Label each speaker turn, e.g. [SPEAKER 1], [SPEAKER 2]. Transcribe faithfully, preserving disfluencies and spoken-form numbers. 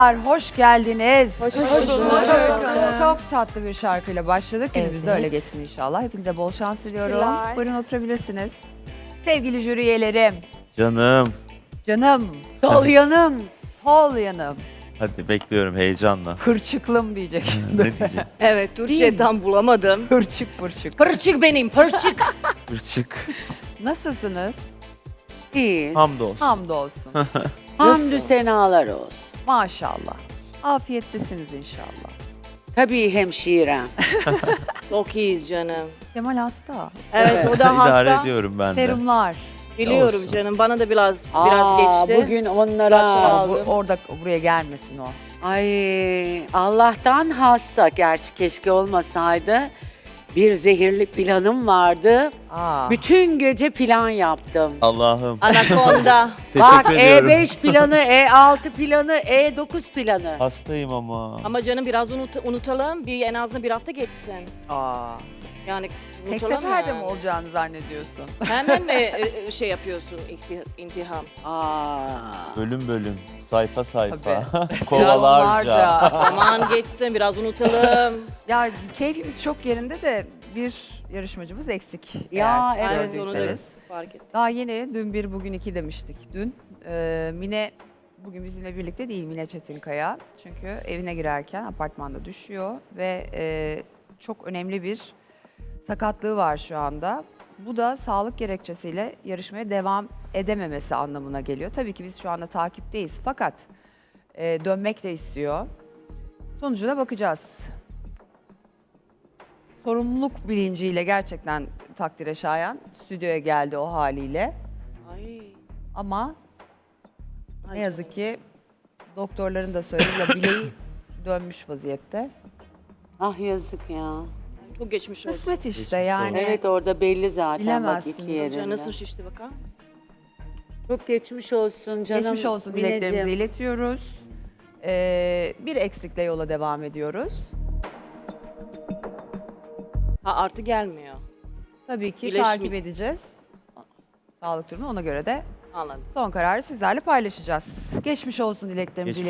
[SPEAKER 1] Hoş geldiniz.
[SPEAKER 2] Hoş
[SPEAKER 1] bulduk.
[SPEAKER 2] bulduk.
[SPEAKER 1] Çok tatlı bir şarkıyla başladık. Günümüz de
[SPEAKER 2] Evet.
[SPEAKER 1] öyle geçsin inşallah. Hepinize bol şans diliyorum.
[SPEAKER 2] Teşekkürler.
[SPEAKER 1] Buyurun oturabilirsiniz. Sevgili jüri üyelerim,
[SPEAKER 3] Canım.
[SPEAKER 1] canım,
[SPEAKER 2] Sol yanım.
[SPEAKER 1] sol yanım,
[SPEAKER 3] Hadi bekliyorum heyecanla.
[SPEAKER 1] pırçıklım diyecek.
[SPEAKER 3] ne diyeceğim?
[SPEAKER 4] Evet, Türkçe tam bulamadım.
[SPEAKER 1] Pırçık pırçık.
[SPEAKER 4] Pırçık benim, pırçık.
[SPEAKER 3] Irçık.
[SPEAKER 1] Nasılsınız?
[SPEAKER 2] İyiyiz.
[SPEAKER 3] Hamdolsun.
[SPEAKER 1] Hamdolsun.
[SPEAKER 2] Hamdü senalar olsun.
[SPEAKER 1] Maşallah. Afiyettesiniz inşallah.
[SPEAKER 2] Tabii hemşirem.
[SPEAKER 4] Çok iyiyiz canım.
[SPEAKER 1] Kemal hasta.
[SPEAKER 4] Evet, o da
[SPEAKER 3] İdare
[SPEAKER 4] hasta.
[SPEAKER 3] ediyorum ben de.
[SPEAKER 1] Serumlar.
[SPEAKER 4] Biliyorum
[SPEAKER 3] Olsun.
[SPEAKER 4] canım, bana da biraz
[SPEAKER 2] Aa,
[SPEAKER 4] biraz geçti.
[SPEAKER 2] bugün onlara...
[SPEAKER 4] Başla.
[SPEAKER 1] Bu,
[SPEAKER 4] Aldım.
[SPEAKER 1] orada buraya gelmesin o.
[SPEAKER 2] Ay Allah'tan hasta. Gerçi keşke olmasaydı. Bir zehirli planım vardı.
[SPEAKER 1] Aa.
[SPEAKER 2] Bütün gece plan yaptım.
[SPEAKER 3] Allah'ım.
[SPEAKER 4] Anakonda.
[SPEAKER 2] Bak
[SPEAKER 3] Teşekkür
[SPEAKER 2] E
[SPEAKER 3] ediyorum.
[SPEAKER 2] beş planı, E altı planı, E dokuz planı.
[SPEAKER 3] Hastayım ama.
[SPEAKER 4] Ama canım biraz unut- unutalım, bir en azından bir hafta geçsin.
[SPEAKER 1] Aa.
[SPEAKER 4] Yani
[SPEAKER 1] Tek
[SPEAKER 4] unutalım
[SPEAKER 1] seferde
[SPEAKER 4] yani.
[SPEAKER 1] mi olacağını zannediyorsun?
[SPEAKER 4] Hemen mi e, şey yapıyorsun, inti- intiham?
[SPEAKER 2] Aa.
[SPEAKER 3] Bölüm bölüm. Sayfa sayfa.
[SPEAKER 1] Tabii.
[SPEAKER 3] Kovalarca.
[SPEAKER 4] Aman geçsin, biraz unutalım.
[SPEAKER 1] Ya keyfimiz çok yerinde de bir yarışmacımız eksik.
[SPEAKER 2] Ya,
[SPEAKER 1] eğer
[SPEAKER 2] evet,
[SPEAKER 4] onu da
[SPEAKER 1] gördüyseniz.
[SPEAKER 4] fark ettim.
[SPEAKER 1] Daha yeni dün bir bugün iki demiştik dün. Ee, Mine bugün bizimle birlikte değil, Mine Çetinkaya. Çünkü evine girerken apartmanda düşüyor ve e, çok önemli bir sakatlığı var şu anda. Bu da sağlık gerekçesiyle yarışmaya devam edememesi anlamına geliyor. Tabii ki biz şu anda takipteyiz fakat e, dönmek de istiyor. Sonucuna bakacağız. Sorumluluk bilinciyle gerçekten takdire şayan stüdyoya geldi o haliyle.
[SPEAKER 4] Ay.
[SPEAKER 1] Ama
[SPEAKER 4] Ay
[SPEAKER 1] ne yazık ki doktorların da söylediği bileği dönmüş vaziyette.
[SPEAKER 2] Ah yazık ya.
[SPEAKER 4] Çok geçmiş olsun.
[SPEAKER 1] Kısmet işte
[SPEAKER 3] Geçmiş
[SPEAKER 1] yani.
[SPEAKER 2] Evet orada belli zaten bak
[SPEAKER 1] Bilemezsiniz.
[SPEAKER 2] iki
[SPEAKER 4] Canı
[SPEAKER 2] yerinde.
[SPEAKER 4] nasıl şişti bakar mısın?
[SPEAKER 2] Çok geçmiş olsun canım.
[SPEAKER 1] Geçmiş olsun dileklerimizi
[SPEAKER 2] Mineciğim.
[SPEAKER 1] iletiyoruz. Ee, bir eksikle yola devam ediyoruz.
[SPEAKER 4] Ha artı gelmiyor.
[SPEAKER 1] Tabii ki
[SPEAKER 4] İyileşme-
[SPEAKER 1] takip edeceğiz. Sağlık durumu ona göre de
[SPEAKER 4] Anladım.
[SPEAKER 1] son kararı sizlerle paylaşacağız. Geçmiş olsun dileklerimizi
[SPEAKER 3] Geçmiş